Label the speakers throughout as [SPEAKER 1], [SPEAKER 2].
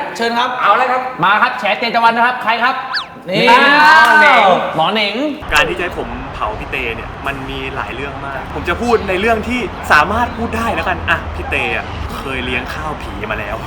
[SPEAKER 1] เชิญครับ
[SPEAKER 2] เอาเลยครับ
[SPEAKER 1] มาครับแฉเตตะวันนะครับใครครับนี่หมอเหน่ง
[SPEAKER 3] การที่จะให้ผมเผาพี่เตเนี่ยมันมีหลายเรื่องมากผมจะพูดในเรื่องที่สามารถพูดได้แล้วกันอ่ะพี่เตอ่ะเคยเลี้ยงข้าวผีมาแล้ว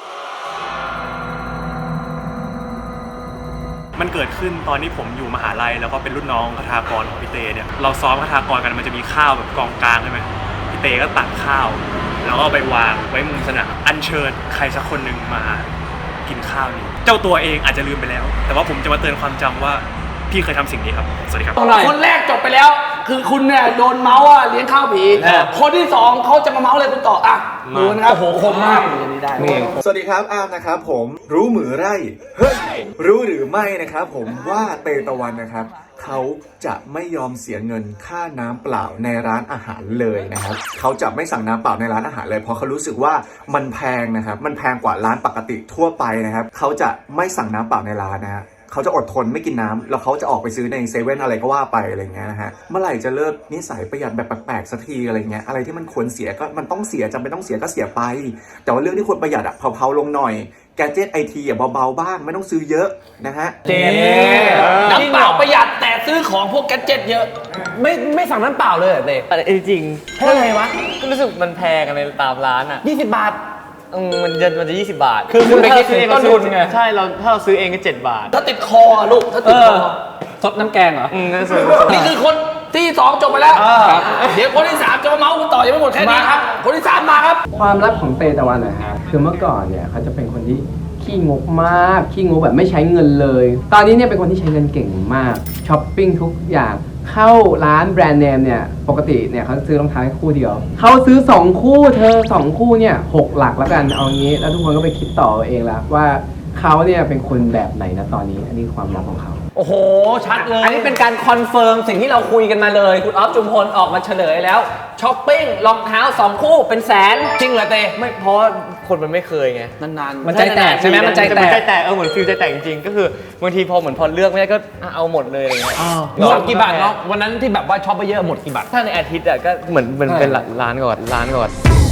[SPEAKER 3] มันเกิดขึ้นตอนที่ผมอยู่มหาลัยแล้วก็เป็นรุ่นน้องคทากรของพี่เตเนี่ยเราซ้อมคทากรกันมันจะมีข้าวแบบกองกลางใช่ไหมพี่เตก็ตักข้าวแล้วก็ไปวางไว้มุมสนามอัญเชิญใครสักคนหนึ่งมากินข้าวนี้เจ้าตัวเองอาจจะลืมไปแล้วแต่ว่าผมจะมาเตือนความจำว่าพี่เคยทำสิ่งนี้ครับสวัสดีครับ
[SPEAKER 1] คนแรกจบไปแล้วคือคุณเนี่ยโดนเมาส์เลี้ยงข้าวผีคนที่สองเขาจะมาเมาส์อะไรคุณต่ออ่ะดูนะครับโอ้โหคมมาก
[SPEAKER 4] สวัสดีครับอาร์มนะครับผมรู้หมือไร่เฮ้ยรู้หรือไม่นะครับผมว่าเตตะวันนะครับเขาจะไม่ยอมเสียเงินค่าน้ำเปล่าในร้านอาหารเลยนะครับเขาจะไม่สั่งน้ำเปล่าในร้านอาหารเลยเพราะเขารู้สึกว่ามันแพงนะครับมันแพงกว่าร้านปกติทั่วไปนะครับเขาจะไม่สั่งน้ำเปล่าในร้านนะฮะเขาจะอดทนไม่กินน้ำแล้วเขาจะออกไปซื้อในเซเว่นอะไรก็ว่าไปอะไรเงี้ยนะฮะเมื่อไหร่จะเลิกนิสัยประหยัดแบบแปลกๆสักทีอะไรเงี้ยอะไรที่มันควรเสียก็มันต้องเสียจำเป็นต้องเสียก็เสียไปแต่ว่าเรื่องที่ควรประหยัดอะเผาๆลงหน่อยแกดเจ็ตไอทีอ่ะเบาๆบ้างไม่ต้องซื้อเยอะนะฮะ
[SPEAKER 1] น้ำเปล่าประหยัดแต่ซื้อของพวกแกดเจ็ตเยอะไม่สั่งน้ำเปล่าเลยเต้
[SPEAKER 2] แต่จริง
[SPEAKER 1] เพราะอะไรวะ
[SPEAKER 2] ก็รู้สึกมันแพงกันในตามร้านอ่ะ
[SPEAKER 1] 20 บาท
[SPEAKER 2] มันจะ20 บาท
[SPEAKER 1] คือคุณไปคิดต้นทุนไง
[SPEAKER 2] ใช่ถ้าเราซื้อเองก็7 บาท
[SPEAKER 1] ถ้าติดคอลูกถ้าติดคอซดน้ำแกงเหรอนี่คือคนที่2จบไปแล้วเดี๋ยวคนที่3จะมาเมาส์คุณต่อยังไม่หมดแค่นี้ครับคนที่3มาครับ
[SPEAKER 5] ความลับของเตตะวันนะฮะคือเมื่อก่อนเนี่ยเขาจะเป็นคนที่ขี้งกมากขี้งกแบบไม่ใช้เงินเลยตอนนี้เนี่ยเป็นคนที่ใช้เงินเก่งมากช้อปปิ้งทุกอย่างเข้าร้านแบรนด์เนมเนี่ยปกติเนี่ยเขาซื้อรองเท้าคู่เดียวเขาซื้อ2คู่เธอ2คู่เนี่ย6 หลักแล้วกันเอางี้แล้วทุกคนก็ไปคิดต่อเองละว่าเขาเนี่ยเป็นคนแบบไหนนะตอนนี้อันนี้ความลับของเขา
[SPEAKER 1] โอ้โหชัดเลยอันนี้เป็นการคอนเฟิร์มสิ่งที่เราคุยกันมาเลยคุณออฟจุมพลออกมาเฉลยแล้วช้อปปิ้งรองเท้า2 คู่เป็นแสนจริงเหรอเต้
[SPEAKER 2] ไม่เพราะคนมันไม่เคยไง
[SPEAKER 1] นานๆมันใจแตกใช่ไหมมันใจแตก
[SPEAKER 2] เหมือนฟิลใจแตกจริงๆก็คือบางทีพอเลือกไม่ได้ก็เอาหมดเลยอะไรเงี้ย
[SPEAKER 1] หมดกี่บาทเนาะวันนั้นที่แบบว่าช็อปไปเยอะหมดกี่บาท
[SPEAKER 2] ถ้าในอาทิตย์อ่ะก็เหมือนเป็นล้านก่อน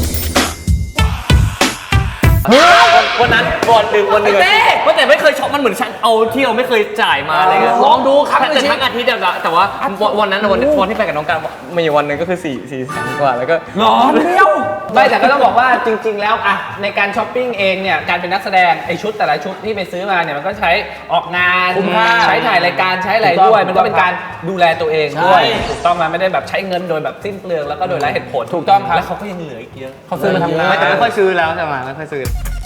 [SPEAKER 2] วันนั้นวันหนึ่งแต่ไม่เคยช็อปมันเหมือนฉันเอาที่เราไม่เคยจ่ายมาอะไรเงี้ย
[SPEAKER 1] ลองดูครับ
[SPEAKER 2] แต่ทั้งอาทิตย์แต่ว่าวันนั้นวันที่ไปกับน้องการมีวันหนึ่งก็คือ4 แสนกว่าแล้วก็
[SPEAKER 1] ร้อนเดียวไม่แต่ก็ต้องบอกว่าจริงๆแล้วอะในการช้อปปิ้งเองเนี่ยการเป็นนักแสดงไอชุดแต่ละชุดที่ไปซื้อมาเนี่ยมันก็ใช้ออกงานใช้ถ่ายรายการใช้อะไรด้วยมันก็เป็นการดูแลตัวเองด้วยถูกต้องมาไม่ได้แบบใช้เงินโดยแบบสิ้นเปลืองแล้วก็โดยไร้เหตุผล
[SPEAKER 2] ถูกต้องครับ
[SPEAKER 1] แล้วเขาก็ยังเหลืออีกเยอะเขาซื้อมาทำงาน
[SPEAKER 2] แต่ไม่ค่อยซื้อแล้วใช่ไหมไม่ค่อยซื้อ